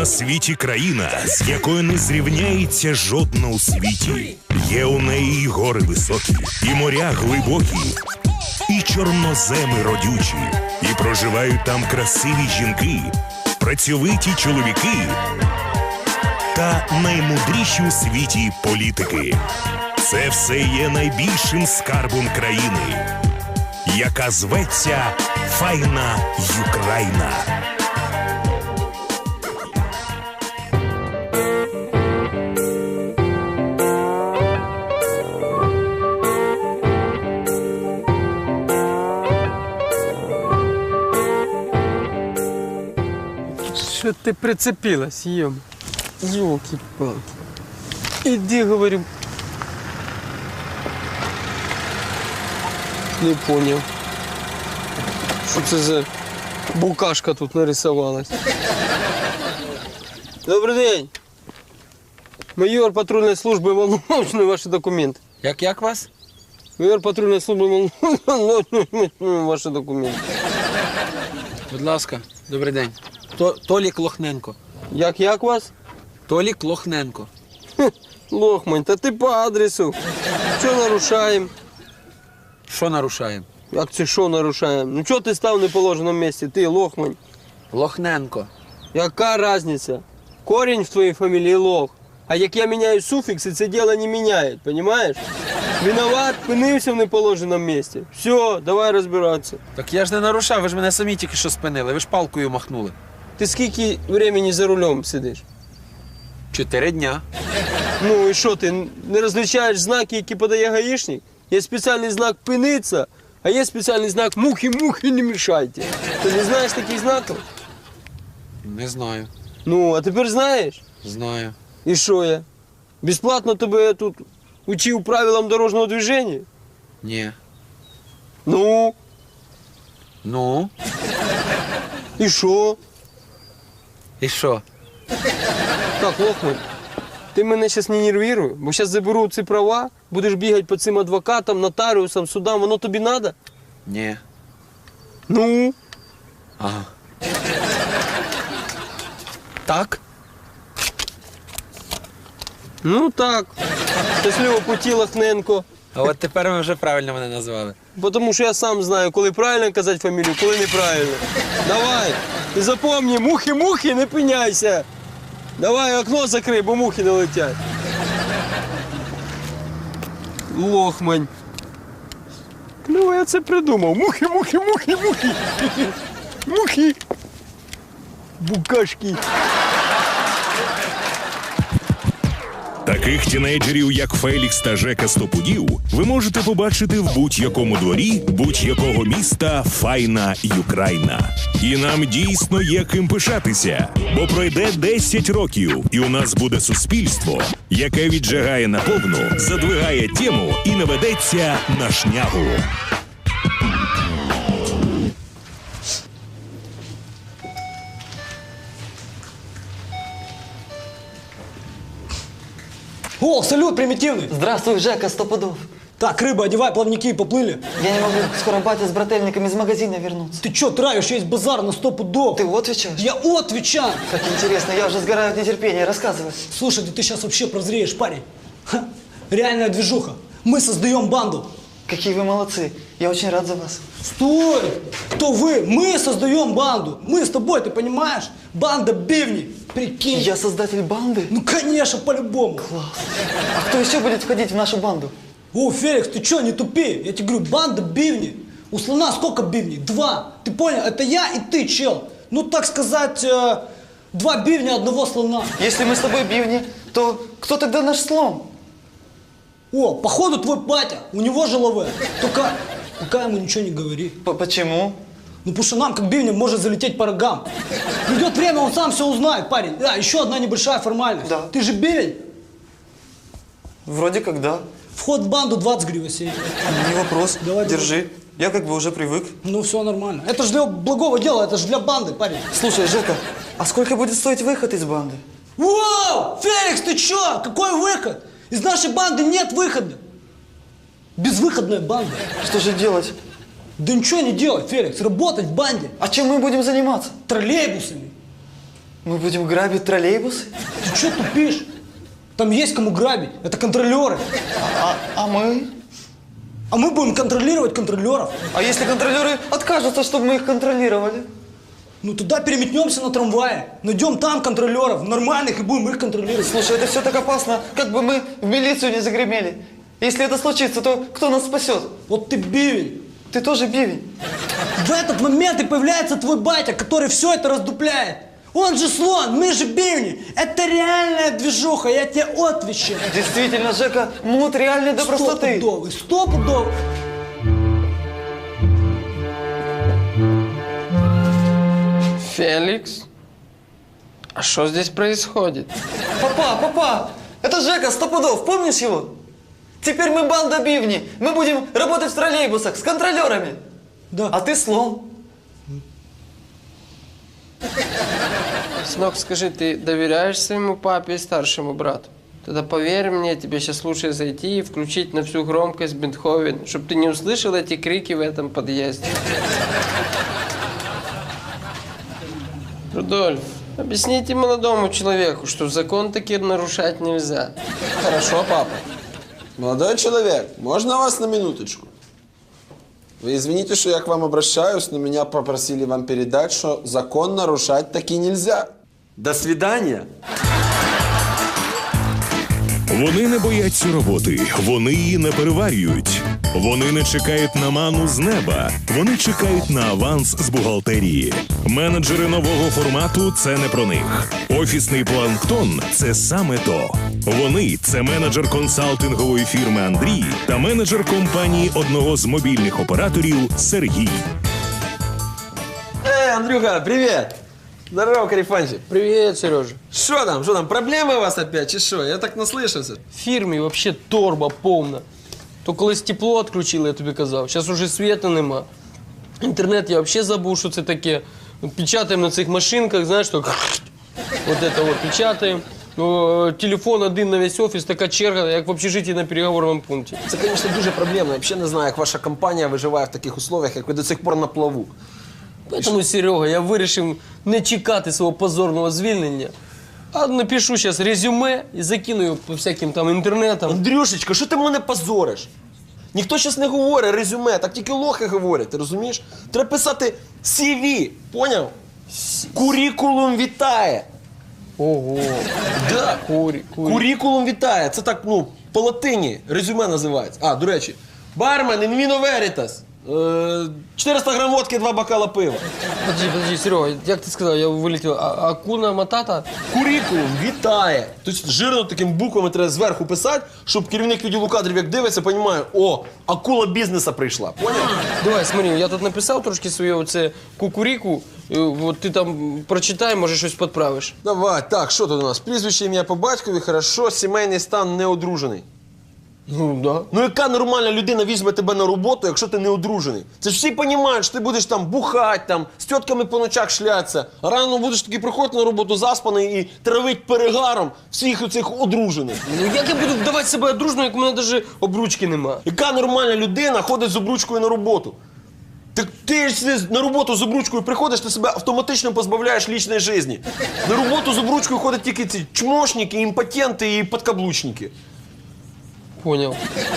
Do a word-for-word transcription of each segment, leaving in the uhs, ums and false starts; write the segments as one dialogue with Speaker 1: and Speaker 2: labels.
Speaker 1: на світі країна, з якою не зрівняється жодна у світі. Є у неї і гори високі, і моря глибокі, і чорноземи родючі. І проживають там красиві жінки, працьовиті чоловіки та наймудріші у світі політики. Це все є найбільшим скарбом країни, яка зветься Файна Юкраїна.
Speaker 2: Що ти прицепилась, ем? Ёлки-палки. Иди, говорю. Не понял. Що це за букашка тут нарисовалась? Добрий день. Майор патрульної служби Волновичної, ваші документи.
Speaker 3: Як, як вас?
Speaker 2: Майор патрульної служби Волновичної, ваші документи.
Speaker 3: Будь ласка, добрий день. То, Толік Лохненко.
Speaker 2: Як, як вас?
Speaker 3: Толік Лохненко.
Speaker 2: Лохмань, та ти по адресу. Що нарушаємо?
Speaker 3: Що нарушаємо?
Speaker 2: Як це що нарушаємо? Ну чого ти став в неположеному місці? Ти, Лохмань.
Speaker 3: Лохненко.
Speaker 2: Яка різниця? Корінь в твоїй фамілії Лох. А як я міняю суфікси, це діло не міняє, розумієш? Виноват, пинився в неположеному місці. Все, давай розбиратися.
Speaker 3: Так я ж не нарушав, ви ж мене самі тільки що спинили, ви ж палкою махнули.
Speaker 2: Ти скільки времени за рулем сидиш?
Speaker 3: Чотири дня.
Speaker 2: Ну і що, ти не розлічаєш знаки, які подає гаїшник? Є спеціальний знак «пиниться», а є спеціальний знак «мухи-мухи, не мішайте». Ти не знаєш таких знаків?
Speaker 3: Не знаю.
Speaker 2: Ну, а тепер знаєш?
Speaker 3: Знаю.
Speaker 2: І що я? Безплатно тебе тут учив правилам дорожнього движення?
Speaker 3: Ні.
Speaker 2: Ну,
Speaker 3: Ну?
Speaker 2: і що?
Speaker 3: І що?
Speaker 2: Так, Лохман, ти мене зараз не нервируй, бо зараз заберу ці права, будеш бігати по цим адвокатам, нотаріусам, судам, воно тобі треба?
Speaker 3: Ні.
Speaker 2: Ну?
Speaker 3: Ага. Так?
Speaker 2: Ну так. Щасливого путі, Лохненко.
Speaker 3: А от тепер ви вже правильно мене назвали.
Speaker 2: Бо тому що я сам знаю, коли правильно казати фамілію, коли неправильно. Давай, і запомни, мухи-мухи, не пиняйся. Давай окно закрий, бо мухи не летять. Лохмань. Ну, я це придумав. Мухи, мухи, мухи, мухи. Мухи. Букашки.
Speaker 1: Таких тінейджерів, як Фелікс та Жека Стопудів, ви можете побачити в будь-якому дворі будь-якого міста Файна Юкраїна. І нам дійсно є ким пишатися, бо пройде десять років, і у нас буде суспільство, яке віджигає наповну, задвигає тему і наведеться на шнягу.
Speaker 4: О, салют, примитивный!
Speaker 5: Здравствуй, Жека, сто пудов.
Speaker 4: Так, рыба, одевай плавники и поплыли.
Speaker 5: Я не могу, скоро батя с брательниками из магазина вернутся.
Speaker 4: Ты чё травишь? Есть базар на сто пудов.
Speaker 5: Ты отвечаешь?
Speaker 4: Я отвечаю!
Speaker 5: Как интересно, я уже сгораю от нетерпения, рассказывай.
Speaker 4: Слушай, да ты сейчас вообще прозреешь, парень. Ха, реальная движуха. Мы создаем банду.
Speaker 5: Какие вы молодцы, я очень рад за вас.
Speaker 4: Стой! Кто вы? Мы создаем банду. Мы с тобой, ты понимаешь? Банда бивни. Прикинь.
Speaker 5: Я создатель банды?
Speaker 4: Ну, конечно, по-любому.
Speaker 5: Класс. А кто еще будет входить в нашу банду?
Speaker 4: О, Феликс, ты чё, не тупи? Я тебе говорю, банда бивни. У слона сколько бивней? Два. Ты понял? Это я и ты, чел. Ну, так сказать, э, два бивня одного слона.
Speaker 5: Если мы с тобой бивни, то кто тогда наш слон?
Speaker 4: О, походу твой батя, у него же лаве. Только пока ему ничего не говори.
Speaker 5: П Почему?
Speaker 4: Ну, потому что нам, как бивням, может залететь по рогам. Придет время, он сам все узнает, парень. Да, еще одна небольшая формальность.
Speaker 5: Да.
Speaker 4: Ты же бивень.
Speaker 5: Вроде как да.
Speaker 4: Вход в банду двадцать гривен сей.
Speaker 5: Не вопрос,
Speaker 4: Давай,
Speaker 5: держи. Я как бы уже привык.
Speaker 4: Ну, все нормально. Это же для благого дела, это же для банды, парень.
Speaker 5: Слушай, Жека, а сколько будет стоить выход из банды?
Speaker 4: Вау! Феликс, ты чё? Какой выход? Из нашей банды нет выхода. Безвыходная банда.
Speaker 5: Что же делать?
Speaker 4: Да ничего не делать, Феликс. Работать в банде.
Speaker 5: А чем мы будем заниматься?
Speaker 4: Троллейбусами.
Speaker 5: Мы будем грабить троллейбусы?
Speaker 4: Ты что тупишь? Там есть кому грабить. Это контролеры.
Speaker 5: А, а мы?
Speaker 4: А мы будем контролировать контролеров.
Speaker 5: А если контролеры откажутся, чтобы мы их контролировали?
Speaker 4: Ну туда переметнемся на трамвае. Найдем там контролеров, нормальных, и будем их контролировать.
Speaker 5: Слушай, это все так опасно, как бы мы в милицию не загремели. Если это случится, то кто нас спасет?
Speaker 4: Вот ты бивень.
Speaker 5: Ты тоже бивень.
Speaker 4: В этот момент и появляется твой батя, который все это раздупляет. Он же слон, мы же бивни. Это реальная движуха, я тебе отвечаю.
Speaker 5: Действительно, Жека, мут реальный до простоты.
Speaker 4: Стопудовый, стопудовый.
Speaker 2: Феликс? А что здесь происходит?
Speaker 5: Папа, папа, это Жека Стопудов, помнишь его? Теперь мы банда бивни. Мы будем работать в троллейбусах с контролерами.
Speaker 4: Да.
Speaker 5: А ты слон.
Speaker 2: Сынок, скажи, ты доверяешь своему папе и старшему брату? Тогда поверь мне, тебе сейчас лучше зайти и включить на всю громкость Бетховен, чтобы ты не услышал эти крики в этом подъезде. Рудольф, объясните молодому человеку, что закон таки нарушать нельзя.
Speaker 6: Хорошо, папа. Молодой человек, можно вас на минуточку? Вы извините, что я к вам обращаюсь, но меня попросили вам передать, что закон нарушать таки нельзя. До свидания.
Speaker 1: Вони не бояться роботи, вони її не переварюють. Вони не чекають на ману з неба, вони чекають на аванс з бухгалтерії. Менеджери нового формату – це не про них. Офісний планктон – це саме то. Вони – це менеджер консалтингової фірми Андрій та менеджер компанії одного з мобільних операторів Сергій.
Speaker 6: Эй, Андрюха, привет! Здорово, Карифанчик.
Speaker 2: Привет, Сережа.
Speaker 6: Что там, что там, проблемы у вас опять, чи что? Я так наслышался.
Speaker 2: В фірмі вообще торба повна. То колись тепло відключили, я тобі казав, зараз уже світу нема. Інтернет я взагалі забув, що це таке. Печатаємо на цих машинках, знаєш, так, от це от печатаємо. О, телефон один на весь офіс, така черга, як в общежитті на переговорному пункті.
Speaker 6: Це, звісно, дуже проблемно. Я взагалі не знаю, як ваша компанія виживає в таких условиях, як ви до сих пор на плаву.
Speaker 2: Тому, Серега, я вирішив не чекати свого позорного звільнення, а напишу зараз резюме і закину його по всяким там інтернетам.
Speaker 6: Андрюшечка, що ти мене позориш? Ніхто зараз не говорить резюме, так тільки лохи говорять, ти розумієш? Треба писати сі ві, поняв? Курікулум вітає.
Speaker 2: Ого.
Speaker 6: Да.
Speaker 2: Курі, курі.
Speaker 6: Курікулум вітає. Це так, ну, по латині резюме називається. А, до речі, бармен, in vino veritas. Е, чотириста грам водки, два бокала пива.
Speaker 2: Подожди, подожди, Серега, як ти сказав, я вилетів. А, акуна матата?
Speaker 6: Курікулум вітає. Тобто жирно такими буквами треба зверху писати, щоб керівник відділу кадрів, як дивиться, розуміє, о, акула бізнесу прийшла. Поняв?
Speaker 2: Давай, смотри, я тут написав трошки своє оце кукуріку, і от ти там прочитай, може щось підправиш.
Speaker 6: Давай, так, що тут у нас? Прізвище, ім'я по батькові, хорошо, сімейний стан, не одружений.
Speaker 2: Ну, да.
Speaker 6: Ну яка нормальна людина візьме тебе на роботу, якщо ти не одружений? Це ж всі розуміють, що ти будеш там бухати, там, з тітками по ночах шлятися, а рано будеш таки приходити на роботу заспаний і травить перегаром всіх оцих одружених.
Speaker 2: Ну як я буду вдавати себе одружною, як у мене навіть обручки нема?
Speaker 6: Яка нормальна людина ходить з обручкою на роботу? Так ти ж на роботу з обручкою приходиш, ти себе автоматично позбавляєш лічної житті. На роботу з обручкою ходять тільки ці чмошники, імпотенти і подкаблучники.
Speaker 2: Поняв.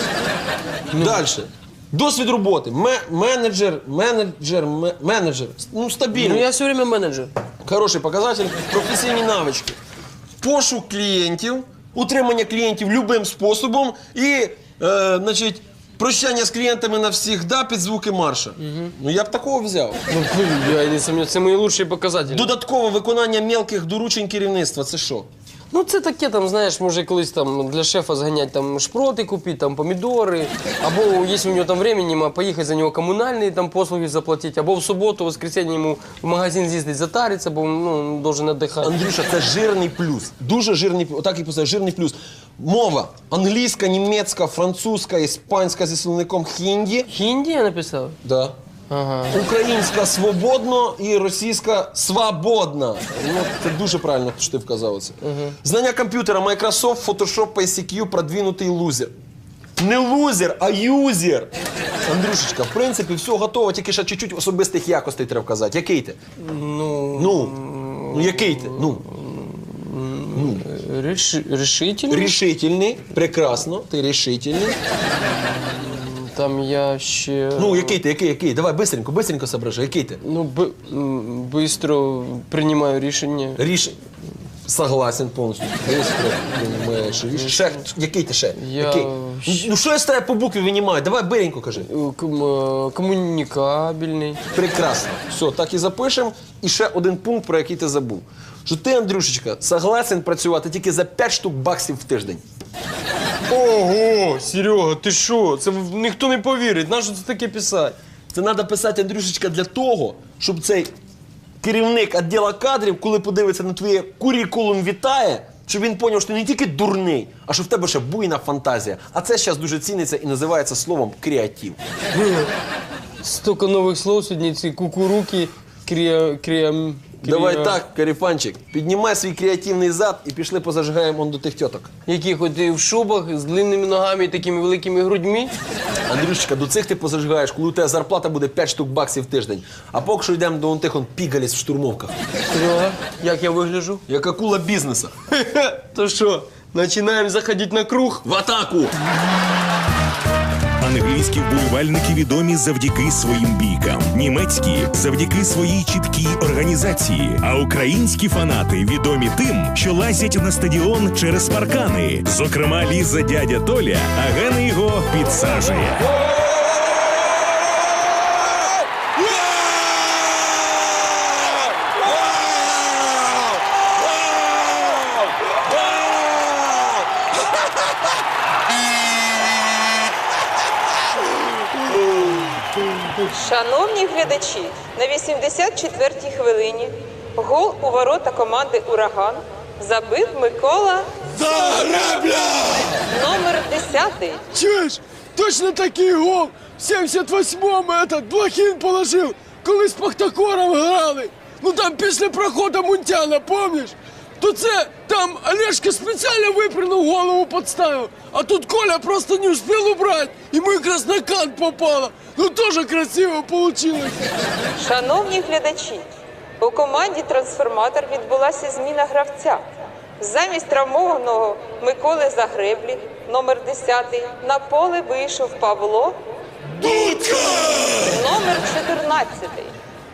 Speaker 6: Дальше. Досвід роботи. Ме- менеджер, менеджер, ме- менеджер. Ну,
Speaker 2: Ну
Speaker 6: стабільний.
Speaker 2: я все время менеджер.
Speaker 6: Хороший показатель. Професійні навички. Пошук клієнтів, утримання клієнтів любим способом і, е, значить, прощання з клієнтами навсігда під звуки марша. Ну, я б такого взяв.
Speaker 2: Ну, я не сумніваюся, це мої лучші показателі.
Speaker 6: Додаткове виконання мелких доручень керівництва. Це що?
Speaker 2: Ну це таке, там, знаєш, може колись там для шефа зганяти там шпроти купити, там помідори, або якщо у нього там времени нема, поїхати за нього комунальні там послуги заплатити, або в суботу, в воскресенье йому в магазин з'їздити затариться, бо ну, должен віддихати.
Speaker 6: Андрюша, це жирний плюс. Дуже жирний, отак і писав, жирний плюс. Мова. Англійська, німецька, французька, іспанська зі словником хінді.
Speaker 2: Хінді я написав?
Speaker 6: Да.
Speaker 2: Ага.
Speaker 6: Українська свободно і російська свободна. Ну, це дуже правильно, що ти вказав це. Угу. Знання комп'ютера Microsoft, Photoshop, пі сі кью, продвинутий лузер. Не лузер, а юзер. Андрюшечка, в принципі, все готово, тільки ще чуть-чуть особистих якостей треба вказати. Який ти?
Speaker 2: Ну,
Speaker 6: Ну, Ну який ти? Ну,
Speaker 2: Реши, решительный.
Speaker 6: рішительний, прекрасно, ти рішительний.
Speaker 2: Там я ще...
Speaker 6: Ну, який ти, який, який? Давай, бистренько, бистренько соображай, який ти?
Speaker 2: Ну, б... м, быстро принимаю решение.
Speaker 6: Ріш... Согласен повністю. Бистро приймаєш рішення. Ще, який ти ще?
Speaker 2: Я
Speaker 6: Який?
Speaker 2: ще-
Speaker 6: Ну що я з тебе по букві винімаю? Давай биренько кажи.
Speaker 2: Э, ком- э, Коммуникабельный.
Speaker 6: Прекрасно. Все, так і запишемо. І ще один пункт, про який ти забув. Що ти, Андрюшечка, согласен працювати тільки за п'ять штук баксів в тиждень.
Speaker 2: Ого, Серега, ти що? Це в- ніхто не повірить. Нащо це таке писати?
Speaker 6: Це треба писати, Андрюшечка, для того, щоб цей керівник відділу кадрів, коли подивиться на твоє курікулум вітає, щоб він зрозумів, що ти не тільки дурний, а що в тебе ще буйна фантазія. А це зараз дуже ціниться і називається словом креатив.
Speaker 2: Столько нових слов сьогодні, ці кукуруки, крія... крія...
Speaker 6: Давай
Speaker 2: крія-
Speaker 6: так, Каріфанчик, піднімай свій креативний зад і пішли позажигаємо он до тих тьоток.
Speaker 2: Яких от і в шубах з длинними ногами і такими великими грудьми.
Speaker 6: Андрюшечка, до цих ти позажигаєш, коли у тебе зарплата буде п'ять штук баксів в тиждень. А поки що йдемо до он тих он пігаліс в штурмовках.
Speaker 2: Серега, як я вигляджу?
Speaker 6: Як акула бізнесу.
Speaker 2: То що, починаємо заходити на круг?
Speaker 6: В атаку!
Speaker 1: Англійські вболівальники відомі завдяки своїм бійкам, німецькі – завдяки своїй чіткій організації, а українські фанати відомі тим, що лазять на стадіон через паркани. Зокрема, Ліза дядя Толя, а Гена його підсаджує.
Speaker 7: Шановні глядачі, на вісімдесят четвертій хвилині гол у ворота команди «Ураган» забив Микола Загребля! Номер десятий.
Speaker 8: Чуєш? Точно такий гол в сімдесят восьмому этот Блохін положив, коли з Пахтакором грали. Ну там після проходу Мунтяна, помниш? То це там Олешка спеціально випрыгнув, голову подставив, а тут Коля просто не успів убрати, і ми якраз на кант попало. Ну теж красиво получилось.
Speaker 7: Шановні глядачі, у команді «Трансформатор» відбулася зміна гравця. Замість травмованого Миколи Загреблі, номер десятий, на поле вийшов Павло Дудка! Номер чотирнадцятий.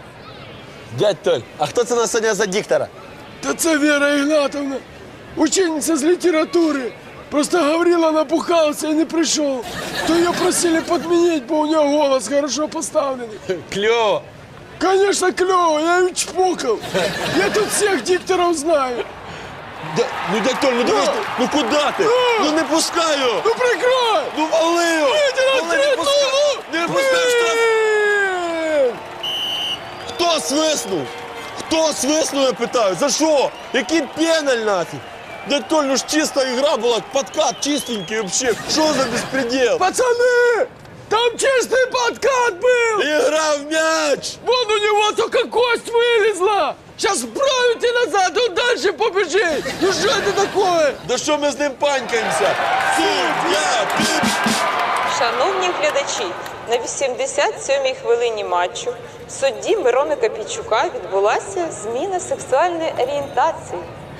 Speaker 6: Дядь Толь, а хто це нас сьогодні за диктора?
Speaker 8: Та це Вера Ігнатовна, учениця з літератури. Просто Гаврила напухался и не пришел. То ее просили подменить, бо у нее голос хорошо поставленный.
Speaker 6: Кльово!
Speaker 8: Конечно, клево, я ее чпокал. Я тут всех дикторов знаю.
Speaker 6: Да, ну, дядь Толь, ну дивись, ну куди ти? Ну не пускаю!
Speaker 8: Ну прикрой!
Speaker 6: Ну вали його!
Speaker 8: Иди на
Speaker 6: Вали, не
Speaker 8: три,
Speaker 6: пускай!
Speaker 8: ну,
Speaker 6: Не пускай штраф!
Speaker 8: блин!
Speaker 6: Хто свиснув? Хто свиснув, я питаю? За що? Який пеналь нафіг? Дядь Толь, ну ж чиста ігра була, подкат чистенький вообще. Що за безпредел?
Speaker 8: Пацаны, там чистый подкат был!
Speaker 6: Игра в мяч!
Speaker 8: Вон у него только кость вылезла! Сейчас вправить и назад, он дальше побежит! Ну что это такое?
Speaker 6: Да що ми з ним панькаємося? Суддя!
Speaker 7: Шановні глядачі, на вісімдесят сьомій хвилині матчу судді Мирона Копійчука відбулася зміна сексуальної орієнтації.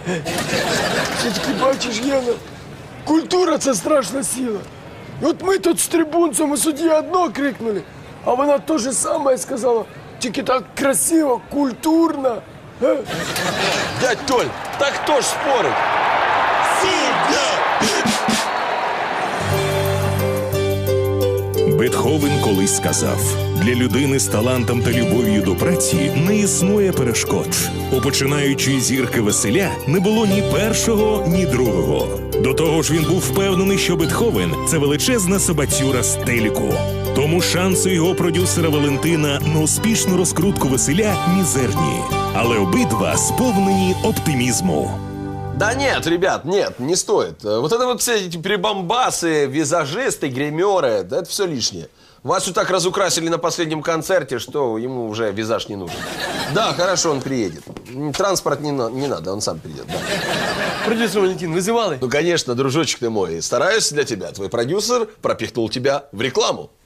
Speaker 8: Все-таки бачиш, Гена, культура – це страшна сила. І от ми тут з трибунцем і судді одно крикнули, а вона те же саме сказала, тільки так красиво, культурно. Е?
Speaker 6: Дядь Толь, так хто ж спорить? Суддя!
Speaker 1: Бетховен колись сказав: для людини з талантом та любов'ю до праці не існує перешкод. У починаючої зірки Василя не було ні першого, ні другого. До того ж він був впевнений, що Бетховен – це величезна собацюра з телеку. Тому шанси його продюсера Валентина на успішну розкрутку Василя мізерні. Але обидва сповнені оптимізму.
Speaker 6: Да нет, ребят, нет, не стоит. Вот это вот все эти прибамбасы, визажисты, гримеры, да это все лишнее. Васю так разукрасили на последнем концерте, что ему уже визаж не нужен. Да, хорошо, он приедет. Транспорт не, на- не надо, он сам придет, да.
Speaker 2: Продюсер Валентин, вызывали?
Speaker 6: Ну, конечно, дружочек ты мой, стараюсь для тебя. Твой продюсер пропихнул тебя в рекламу.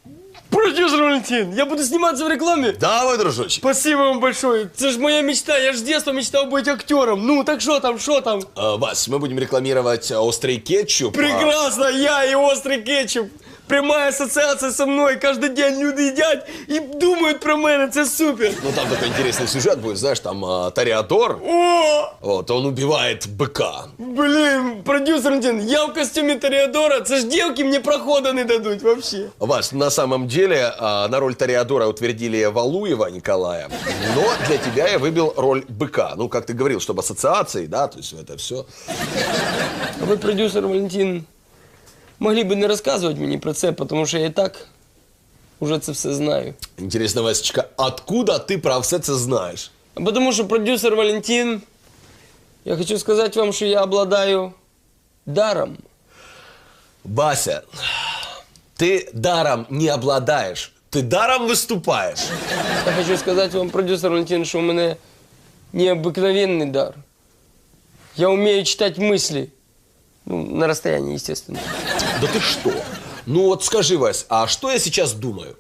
Speaker 2: Продюсер Валентин, я буду сниматься в рекламе?
Speaker 6: Давай, дружочек.
Speaker 2: Спасибо вам большое. Это же моя мечта. Я же с детства мечтал быть актером. Ну, так что там, что там?
Speaker 6: А, Вась, мы будем рекламировать острый кетчуп.
Speaker 2: Прекрасно, я и острый кетчуп. Прямая ассоциация со мной. Каждый день люди едят и думают про мене. Это супер.
Speaker 6: Ну, там такой интересный сюжет будет, знаешь, там а, Тореадор.
Speaker 2: О!
Speaker 6: Вот, он убивает быка.
Speaker 2: Блин, продюсер Валентин, я в костюме Тореадора. Это ж девки мне прохода не дадут вообще.
Speaker 6: Вась, на самом деле а, на роль Тореадора утвердили Валуева Николая, но для тебя я выбил роль быка. Ну, как ты говорил, чтобы ассоциации, да, то есть это все.
Speaker 2: А вы, продюсер Валентин, могли бы не рассказывать мне про це, потому что я и так уже це все знаю.
Speaker 6: Интересно, Васечка, откуда ты про все це знаешь?
Speaker 2: А потому что, продюсер Валентин, я хочу сказать вам, что я обладаю даром.
Speaker 6: Вася, ты даром не обладаешь, ты даром выступаешь.
Speaker 2: Я хочу сказать вам, продюсер Валентин, что у меня необыкновенный дар. Я умею читать мысли. Ну, на расстоянии, естественно.
Speaker 6: Да ты что? Ну вот скажи, Вась, а что я сейчас думаю?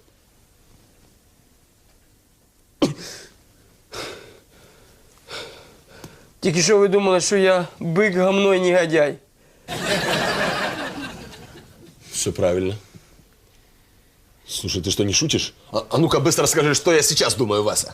Speaker 2: Тільки що ви думали, що я бик, гамно і негодяй.
Speaker 6: Все правильно. Слушай, ты что, не шутишь? А, а ну-ка быстро скажи, что я сейчас думаю, Вася.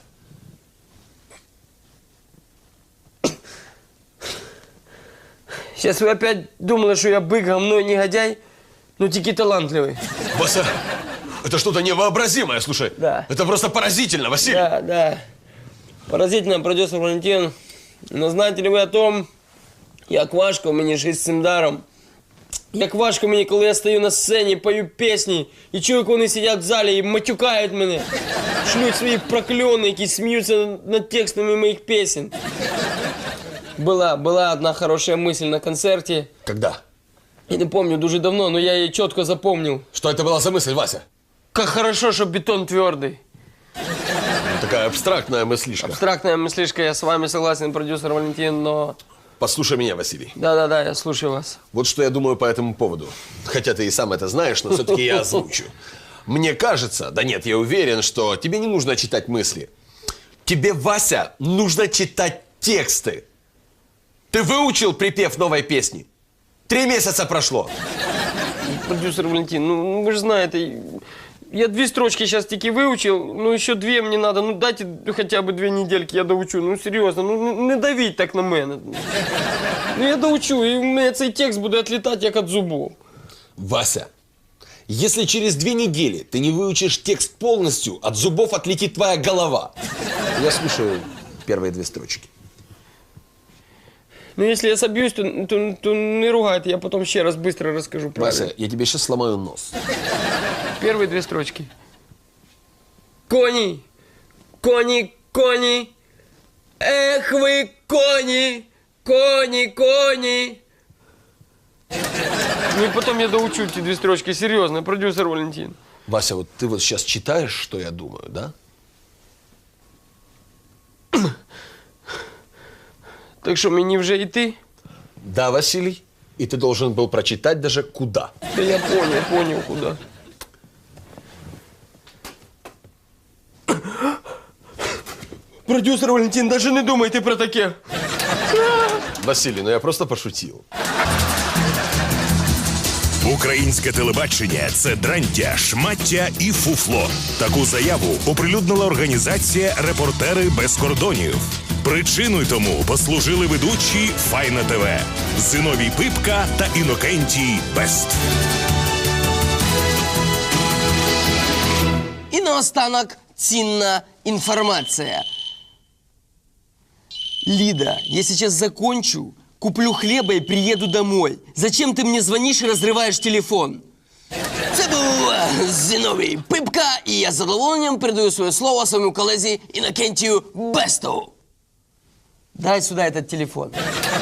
Speaker 2: Сейчас вы опять думали, что я бык, гамно и негодяй, но тільки талантливый.
Speaker 6: Вася, это что-то невообразимое, слушай.
Speaker 2: Да.
Speaker 6: Это просто поразительно, Василий.
Speaker 2: Да, да. Поразительно, продюсер Валентин. Но знаете ли вы о том, як важко мені жити з цим даром? Як важко мені, коли я стою на сцені, пою пісні, і чую, як вони сидять в залі і матюкають мене, шлють свої прокльони, які сміються над текстами моїх пісень. Была, была одна хорошая мысль на концерте.
Speaker 6: Когда?
Speaker 2: Я не помню, дуже давно, но я ее четко запомнил.
Speaker 6: Что это была за мысль, Вася?
Speaker 2: Как хорошо, что бетон твердый.
Speaker 6: Ну, такая абстрактная мыслишка.
Speaker 2: Абстрактная мыслишка, я с вами согласен, продюсер Валентин, но...
Speaker 6: Послушай меня, Василий.
Speaker 2: Да-да-да, я слушаю вас.
Speaker 6: Вот что я думаю по этому поводу. Хотя ты и сам это знаешь, но все-таки я озвучу. Мне кажется, да нет, я уверен, что тебе не нужно читать мысли. Тебе, Вася, нужно читать тексты. Ты выучил припев новой песни? Три месяца прошло.
Speaker 2: Продюсер Валентин, ну вы же знаете, я две строчки сейчас таки выучил, ну еще две мне надо, ну дайте хотя бы две недельки, я доучу, ну серьезно, ну не давіть так на мене. Ну я доучу, и у меня цей текст буде отлетать як от зубов.
Speaker 6: Вася, если через две недели ты не выучишь текст полностью, от зубов отлетит твоя голова. Я слушаю первые две строчки.
Speaker 2: Ну, если я собьюсь, то, то, то не ругайте, я потом еще раз быстро расскажу правильно.
Speaker 6: Вася, я тебе сейчас сломаю нос.
Speaker 2: Первые две строчки. Кони, кони, кони, эх вы, кони, кони, кони. Ну и потом я доучу эти две строчки, серьезно, продюсер Валентин.
Speaker 6: Вася, вот ты вот сейчас читаешь, что я думаю, да?
Speaker 2: Так что, мне уже идти?
Speaker 6: Да, Василий. И ты должен был прочитать даже куда.
Speaker 2: Да я понял, понял, куда. Продюсер Валентин, даже не думайте про таке.
Speaker 6: Василий, ну я просто пошутил.
Speaker 1: Українське телебачення – це дрантя, шмаття і фуфло. Таку заяву оприлюднила організація «Репортери без кордонів». Причиною тому послужили ведучі Файна ТВ Зиновій Пипка та Інокентій Бест.
Speaker 9: І наостанок цінна інформація. Лида, я сейчас закончу, куплю хлеба и приеду домой. Зачем ты мне звонишь и разрываешь телефон? Це був Зиновій Пипка, і я з задоволенням передаю своє слово своєму колезі Інокентію Бесту. Дай сюда этот телефон.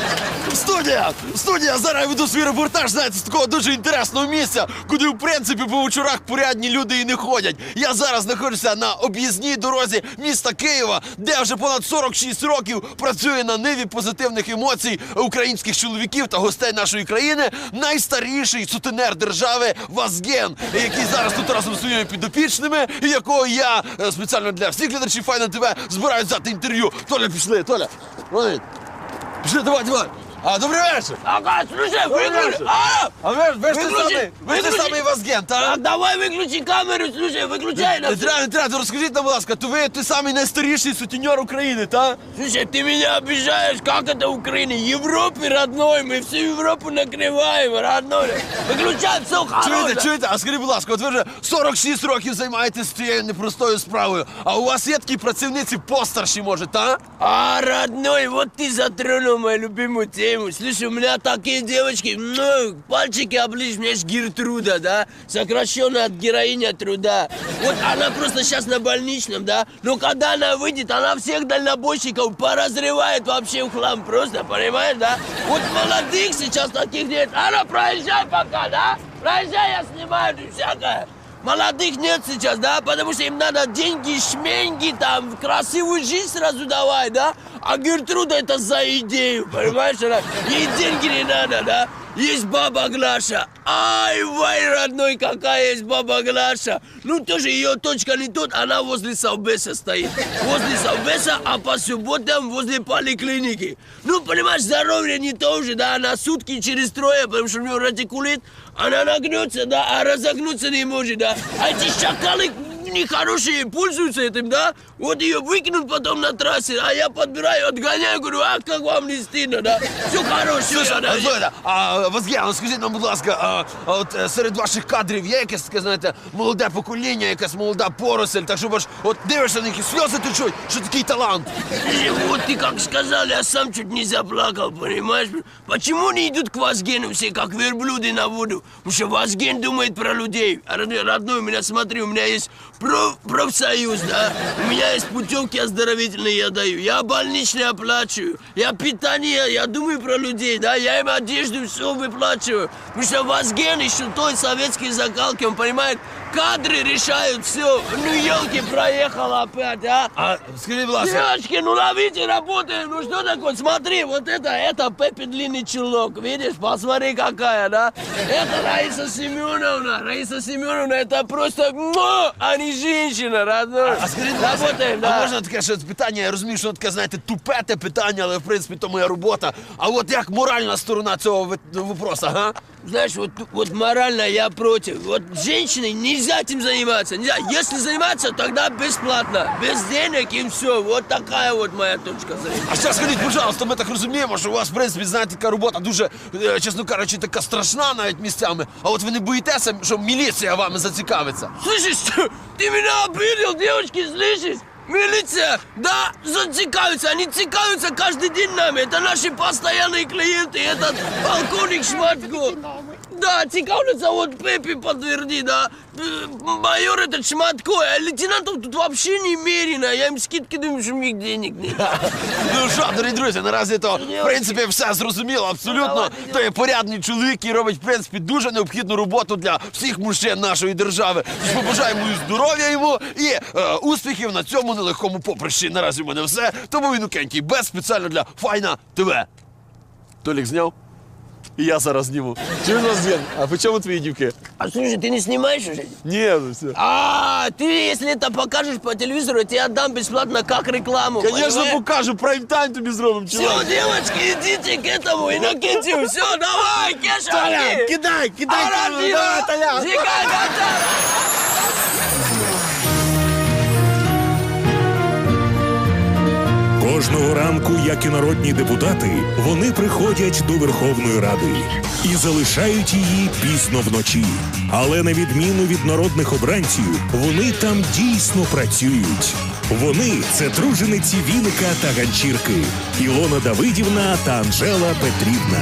Speaker 6: Студія! Студія! Зараз я веду свій репортаж, знаєте, з такого дуже інтересного місця, куди, в принципі, по вечорах порядні люди і не ходять. Я зараз знаходжуся на об'їзній дорозі міста Києва, де вже понад сорок шість років працює на ниві позитивних емоцій українських чоловіків та гостей нашої країни найстаріший сутенер держави Вазген, який зараз тут разом зі своїми підопічними, і якого я е, спеціально для всіх глядачів Файна ТВ збираюсь взяти інтерв'ю. Толя, пішли, Толя. Вони. Пішли, давай, давай. А, добрий вечір.
Speaker 9: Ага, слушай, выключи! А!
Speaker 6: А ви, ви ж ти
Speaker 9: Виключи,
Speaker 6: самий, ви ж ти
Speaker 9: виключи.
Speaker 6: самий Вазген,
Speaker 9: Так,
Speaker 6: так?
Speaker 9: давай выключи камеру, слушай, выключай
Speaker 6: Не
Speaker 9: нас.
Speaker 6: треба, не треба, розкажіть нам, будь ласка, то ви той самий найстаріший сутенер України, так?
Speaker 9: Слушай, ты меня обижаешь, как это Украина? Европе, родной, мы всю Европу накрываем, родной. Выключай, все
Speaker 6: Чуєте,
Speaker 9: хорошо.
Speaker 6: чуєте? А скажіть, будь ласка, от ви вже сорок шість років займаєтесь цією непростою справою, а у вас є такі працівниці постарші, може, так?
Speaker 9: А, родной, вот ты затронул мою любимую тему. Слушай, у меня такие девочки, ну, пальчики оближь, у меня есть Гертруда, да, сокращенно от героиня труда. Вот она просто сейчас на больничном, да, но когда она выйдет, она всех дальнобойщиков поразрывает вообще в хлам просто, понимаешь, да? Вот молодых сейчас таких нет. Она, проезжай пока, да? Проезжай, я снимаю тут всякое. Молодых нет сейчас, да, потому что им надо деньги, шменьги, там, красивую жизнь сразу давай, да? А Гертруда это за идею, понимаешь? Она, ей деньги не надо, да? Есть баба Глаша. Ай, вай, родной, какая есть баба Глаша. Ну, тоже ее точка не тут, она возле Совбеза стоит. Возле Совбеза, а по субботам возле поликлиники. Ну, понимаешь, здоровье не то же, да, она сутки через трое, потому что у нее радикулит. Она нагнется, да, а разогнуться не может, да. А эти шакалы нехорошие пользуются этим, да. Вот ее выкинут потом на трассе, а я подбираю, отгоняю, говорю, а как вам не стыдно, да. Все хорошее,
Speaker 6: Слушай,
Speaker 9: да.
Speaker 6: а, слухайте, а Вазген, ну скажіть нам, будь ласка, а, а от е, серед ваших кадрів є якесь таке, знаєте, молоде покоління, якась молода поросль, так щоб аж от дивишся на них і сльози течуть, що такий талант.
Speaker 9: И вот ты как сказал, я сам чуть не заплакал, понимаешь? Почему не идут к Вазгену все, как верблюды на воду? Потому что Вазген думает про людей. А родной, родной, у меня, смотри, у меня есть проф, профсоюз, да? У меня есть путевки оздоровительные, я даю. Я больничные оплачиваю. Я питание, я думаю про людей, да? Я им одежду, все выплачиваю. Потому что Вазген еще той советской закалки, он понимает, кадры решают все. Ну, елки, проехала опять, а?
Speaker 6: А скажіть, будь ласка,
Speaker 9: Девочки, ну ловите, работаем. Ну что такое? Смотри, вот это, это Пеппи длинный чулок. Видишь? Посмотри, какая, да? Это Раиса Семеновна. Раиса Семеновна, это просто, муа, а не женщина, родной.
Speaker 6: а скажіть, будь ласка,
Speaker 9: Работаем,
Speaker 6: а
Speaker 9: да.
Speaker 6: можна таке ще питання, я розумію, що таке, знаєте, тупе те питання, але в принципі то моя робота. А от як моральна сторона цього ви- вопроса, га?
Speaker 9: Знаешь, вот, вот морально я против. Вот женщиной нельзя этим заниматься. Нельзя. Если заниматься, тогда бесплатно. Без денег и все. Вот такая вот моя точка зрения.
Speaker 6: А ще скажіть, пожалуйста, ми так розуміємо, що у вас, в принципі, знаєте, така робота дуже, е, чесно кажучи, така страшна навіть місцями. А от ви не боїтеся, що міліція вами зацікавиться?
Speaker 9: Слышишь, что? Ты меня обидел, девочки, слышишь? Милиция, да, зацикаются, они цикаются каждый день нами. Это наши постоянные клиенты, этот полковник Шматко. Да, цикаются, вот Пеппи подтверди, да. Э, Майор этот Шматко, а лейтенантов тут вообще немерено. Я им скидки думаю, что у них денег нет.
Speaker 6: Ну що, дорогі друзі, наразі то, в принципі, все зрозуміло, абсолютно. То є порядний чоловік, який робить, в принципі, дуже необхідну роботу для всіх мужчин нашої держави. Тож побажаємо і здоров'я йому і е, успіхів на цьому нелегкому поприщі. Наразі в мене все. Тому Інокентій без спеціально для Файна ТВ. Толік зняв? І я зараз зніму. Чуєш, Вазген, а по чому твої дівки?
Speaker 9: А слушай, ты не снимаешь уже?
Speaker 6: Ні, ну все.
Speaker 9: А, ты, если это покажешь по телевизору, я тебе отдам бесплатно как рекламу.
Speaker 6: Звісно,
Speaker 9: понимаешь?
Speaker 6: покажу, прайм-тайм тобі зробимо,
Speaker 9: Все,
Speaker 6: чувак.
Speaker 9: девочки, идите к этому Иннокентию. Все, давай, Кеша,
Speaker 6: Толя,
Speaker 9: иди.
Speaker 6: кидай, кидай камеру,
Speaker 9: Арабина,
Speaker 6: давай, Толя.
Speaker 9: Зигай, готов.
Speaker 1: Кожного ранку, як і народні депутати, вони приходять до Верховної Ради і залишають її пізно вночі. Але на відміну від народних обранців, вони там дійсно працюють. Вони – це тружениці Віника та Ганчірки, Ілона Давидівна та Анжела Петрівна.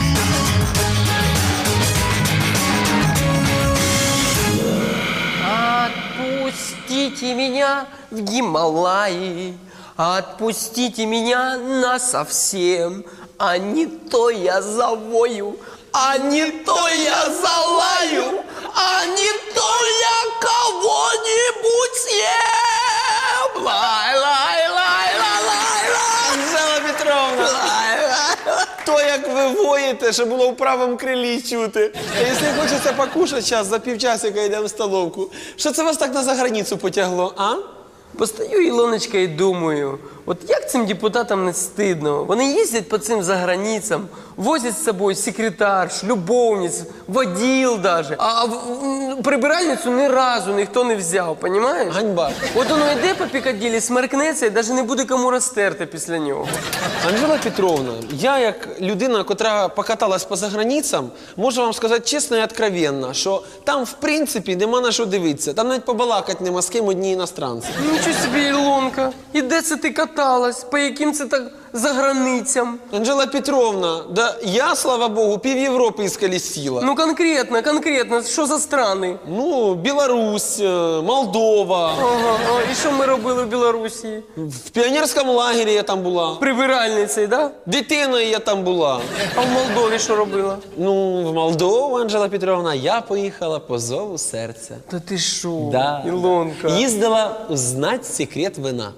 Speaker 9: Отпустите меня в Гималаи, отпустите меня насовсем. а не то я завою, а не то я залаю, а не то я кого-нибудь съем. Лай, лай, лай, лай, лай, лай.
Speaker 6: Анжела Петровна, то, як ви воїте, що було в правому крилі чути. А якщо хочеться покушати зараз, за півчасика йдемо в столовку. Що це вас так на заграницю потягло, а?
Speaker 9: Постаю, Ілоночка, і думаю, от як цим депутатам не стидно? Вони їздять по цим заграницям, возять з собою секретарш, любовниць, воділ даже. А в- в- прибиральницю ні разу ніхто не взяв, понімаєш?
Speaker 6: Ганьба.
Speaker 9: От воно йде по Пікаділі, смеркнеться і навіть не буде кому розтерти після нього.
Speaker 6: Анжела Петровна, я як людина, котра покаталась по заграницям, можу вам сказати чесно і откровенно, що там, в принципі, нема на що дивитися. Там навіть побалакати нема з ким одні іностранці.
Speaker 9: Нічого собі, Ілонка. І де це ти каталась? По яким це так заграницям?
Speaker 6: Анжела Петровна, да я, слава Богу, пів Європи ісколесила.
Speaker 9: Ну конкретно, конкретно, що за страни?
Speaker 6: Ну, Білорусь, е, Молдова.
Speaker 9: Ага, а, і що ми робили в Білорусі?
Speaker 6: В піонерському лагері я там була.
Speaker 9: Прибиральницею, да?
Speaker 6: Дитиною я там була.
Speaker 9: А в Молдові що робила?
Speaker 6: Ну, в Молдову, Анжела Петровна, я поїхала по зову серця.
Speaker 9: Та ти що,
Speaker 6: Да.
Speaker 9: Ілонка?
Speaker 6: Їздила узнать секрет вина.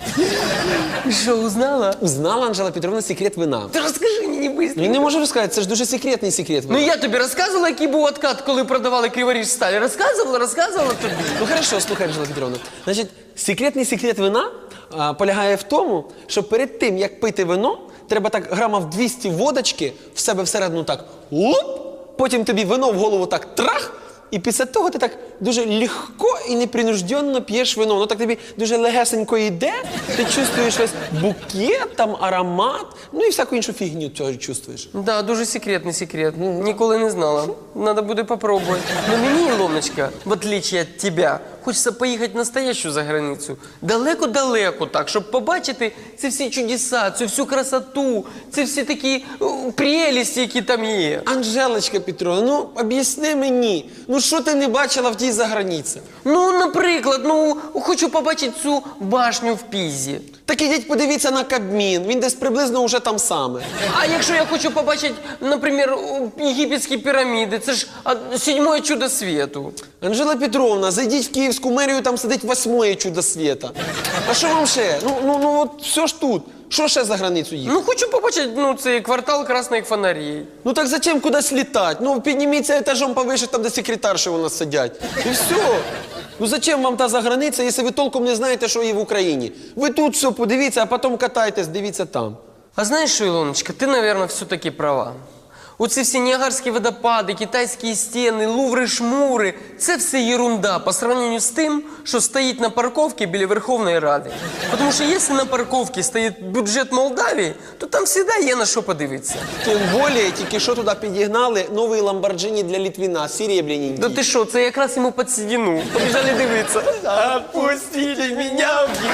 Speaker 9: Що, узнала?
Speaker 6: Узнала, Анжела Петровна, секрет вина.
Speaker 9: Ти розкажи мені быстро.
Speaker 6: Ну, не можу розказати, це ж дуже секретний секрет
Speaker 9: Ну
Speaker 6: вина.
Speaker 9: я тобі розказувала, який був откат, коли продавали Криворіж сталь. Розказувала, розказувала тобі.
Speaker 6: Ну, хорошо, слухай, Анжела Петровна. Значить, секретний секрет вина а, полягає в тому, що перед тим, як пити вино, треба так грамів двісті водочки в себе всередину так луп, потім тобі вино в голову так трах, і після того ти так дуже легко і непринужденно п'єш вино. Воно так тобі дуже легесенько йде, ти чувствуєш весь букет, там аромат, ну і всяку іншу фігню цього чувствуєш.
Speaker 9: Да, дуже секретний секрет. Ніколи не знала. Надо буде попробувати. Но мені, Ілоночка, в отличие від тебе, хочеться поїхати в настоящу заграницю. Далеко-далеко так, щоб побачити ці всі чудеса, цю всю красоту, ці всі такі о, прелісті, які там є.
Speaker 6: Анжелочка Петровна, ну об'ясни мені, ну що ти не бачила в тій заграниці?
Speaker 9: Ну, наприклад, ну, хочу побачити цю башню в Пізі.
Speaker 6: Так ідіть подивіться на Кабмін, він десь приблизно уже там саме.
Speaker 9: А якщо я хочу побачити, наприклад, єгипетські піраміди, це ж а, сьоме чудо світу.
Speaker 6: Анжела Петровна, зайдіть в Київську мерію, там сидить восьмое чудо світа. А що вам ще? Ну, ну, ну от все ж тут. Що ще за границю їхати?
Speaker 9: Ну, хочу побачити, ну, цей квартал красних фонарей.
Speaker 6: Ну так зачем кудись літати? Ну підніміться етажом повише, там де секретарші у нас сидять. І все. Ну зачем вам та заграниця, якщо ви толком не знаєте, що є в Україні? Ви тут все подивіться, а потім катайтесь, дивіться там.
Speaker 9: А знаєш що, Ілоночка, ти, мабуть, все-таки права. Оці всі Ніагарські водопади, китайські стіни, луври-шмури – це все ерунда по сравнению з тим, що стоїть на парковці біля Верховної Ради. Тому що якщо на парковці стоїть бюджет Молдавії, то там завжди є на що подивитися.
Speaker 6: Тим більше, тільки що туди підігнали новий Ламборджині для Літвіна, серебряненький.
Speaker 9: Да ти що, це якраз йому під седину. Побіжали дивитися. Отпустили мене в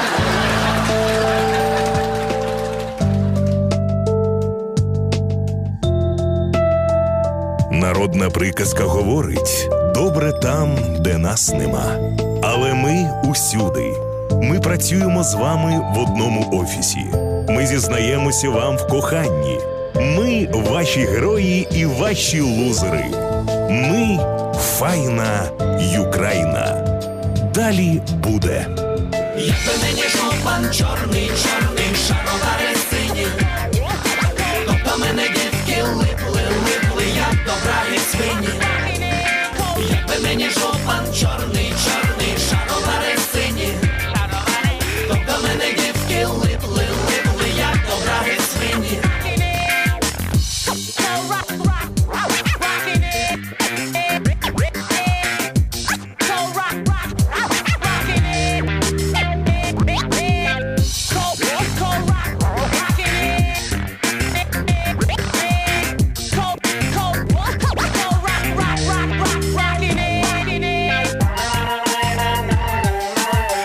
Speaker 1: Народна приказка говорить: добре там, де нас нема. Але ми усюди. Ми працюємо з вами в одному офісі. Ми зізнаємося вам в коханні. Ми ваші герої і ваші лузери. Ми файна Юкраїна. Далі буде.
Speaker 10: Як би мені жупан чорний, чорний, шаровари сині, тобто мене дітки липли, липли, як до браги свині. Як би мені жупан чорний,